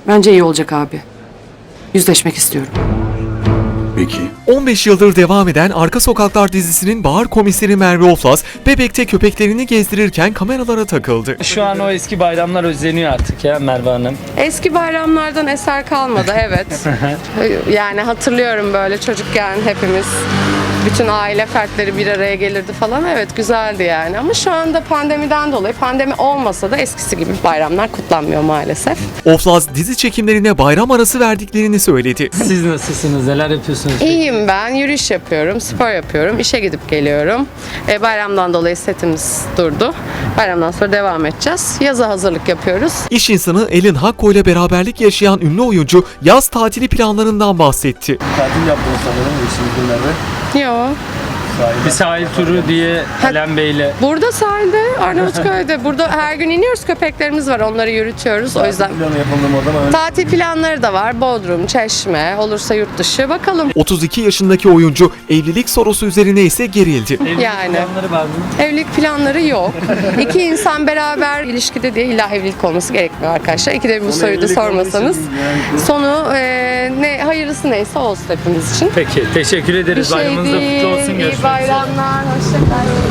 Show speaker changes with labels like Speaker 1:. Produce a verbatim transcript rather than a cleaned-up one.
Speaker 1: Bence iyi olacak abi. Yüzleşmek istiyorum.
Speaker 2: Peki.
Speaker 3: on beş yıldır devam eden Arka Sokaklar dizisinin bahar komiseri Merve Oflaz, Bebek'te köpeklerini gezdirirken kameralara takıldı.
Speaker 4: Şu an o eski bayramlar özleniyor artık ya Merve Hanım.
Speaker 5: Eski bayramlardan eser kalmadı, evet. Yani hatırlıyorum böyle çocukken hepimiz, bütün aile fertleri bir araya gelirdi falan. Evet, güzeldi yani. Ama şu anda pandemiden dolayı, pandemi olmasa da eskisi gibi bayramlar kutlanmıyor maalesef.
Speaker 3: Oflaz dizi çekimlerine bayram arası verdiklerini söyledi.
Speaker 4: Siz nasılsınız? Neler yapıyorsunuz?
Speaker 5: İyiyim ben, yürüyüş yapıyorum, spor yapıyorum, işe gidip geliyorum. E, bayramdan dolayı setimiz durdu. Bayramdan sonra devam edeceğiz. Yaza hazırlık yapıyoruz.
Speaker 3: İş insanı Elin Hakko ile beraberlik yaşayan ünlü oyuncu yaz tatili planlarından bahsetti.
Speaker 2: Tatil yaptınız sanırım eşinizle Merve.
Speaker 5: Yo.
Speaker 4: Bir sahil turu diye Alen Bey'le.
Speaker 5: Burada sahilde, Arnavutköy'de. Burada her gün iniyoruz, köpeklerimiz var, onları yürütüyoruz. O yüzden
Speaker 2: Planı yapalım o zaman.
Speaker 5: tatil planları da var. Bodrum, Çeşme, olursa yurt dışı. Bakalım.
Speaker 3: otuz iki yaşındaki oyuncu evlilik sorusu üzerine ise gerildi.
Speaker 4: Evlilik
Speaker 5: Yani.
Speaker 4: planları var mı?
Speaker 5: Evlilik planları yok. İki insan beraber ilişkide diye illa evlilik olması gerekmiyor arkadaşlar. İkide bir bu soruyu da
Speaker 2: evlilik
Speaker 5: sormasanız.
Speaker 2: olduğu için yani-
Speaker 5: Sonu e, ne hayırlısı neyse olsun hepimiz için.
Speaker 4: Peki, teşekkür
Speaker 5: Bir
Speaker 4: ederiz.
Speaker 5: şey
Speaker 4: Bayramınız da kutlu
Speaker 5: değil.
Speaker 4: olsun.
Speaker 5: İyi
Speaker 4: Görüşmek üzere.
Speaker 5: bayramlar. Hoşçakalın.